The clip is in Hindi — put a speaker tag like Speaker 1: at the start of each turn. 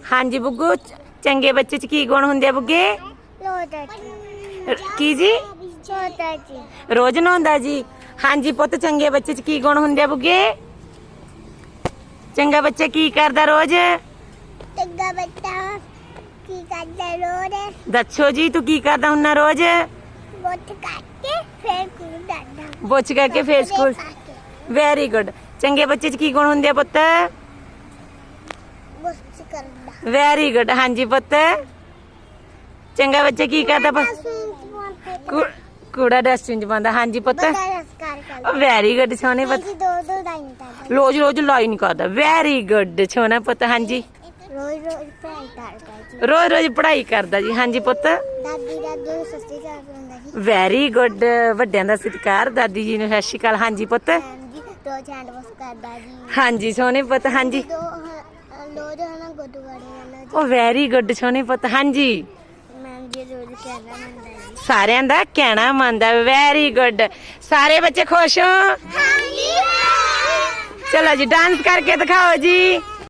Speaker 1: हाँ जी बुग्गू, चंगे बच्चे च की गुण हुंदे बुग्गे? की जी? रोज नहाउंदा जी। हाँ जी पुत्त, चंगे बच्चे च की गुण हुंदे बुग्गे? चंगा बच्चा की करदा रोज?
Speaker 2: चंगा बच्चा की करदा रोज?
Speaker 1: दस्सो जी, तू की करदा हुन्ना रोज?
Speaker 2: बुच्छ करके फिर स्कूल जांदा।
Speaker 1: बुच्छ करके फिर स्कूल। Very good. चंगे बच्चे च की गुण हुंदे पुत्त?
Speaker 2: बुच्छ करदा।
Speaker 1: Very good. हाँ जी पुत्त, चंगा बच्चा की करदा? कूड़ा डस्टबिन च पांदा। हाँ जी पुत्त, वेरी गुड सोने पुत्त। रोज रोज लाई नहीं करदा। वेरी गुड सोना पुत्त। हाँ जी, रोज रोज पढ़ाई करदा जी। हाँ जी पुत्त,
Speaker 2: दादी दादू ਨੂੰ ਸਤਿ ਸ਼੍ਰੀ ਅਕਾਲ ਬੁਲਾਉਂਦਾ ਜੀ।
Speaker 1: Very good. ਵੱਡਿਆਂ ਦਾ ਸਤਿਕਾਰ, ਦਾਦੀ जी ਨੂੰ ਸਤਿ ਸ਼੍ਰੀ ਅਕਾਲ। हाँ जी पुत्त,
Speaker 2: ਜੀ ਰੋਜ਼ ਹੈਂਡ ਵਾਸ਼ ਕਰਦਾ ਜੀ।
Speaker 1: हाँ जी सोने पुत्त। हाँ जी,
Speaker 2: ਰੋਜ਼ ਹਨਾ ਗੁਰਦੁਆਰੇ ਜਾਂਦਾ ਜੀ।
Speaker 1: ओ वेरी गुड सोने पुत्त। हाँ जी,
Speaker 2: ਮੈਮ ਜੀ ਰੋਜ਼ ਕਹਿਣਾ ਮੰਨਦਾ ਜੀ।
Speaker 1: ਸਾਰਿਆਂ ਦਾ ਕਹਿਣਾ ਮੰਨਦਾ। Very good. सारे बच्चे खुश हो?
Speaker 2: ਹਾਂਜੀ।
Speaker 1: चलो जी डांस करके दिखाओ जी।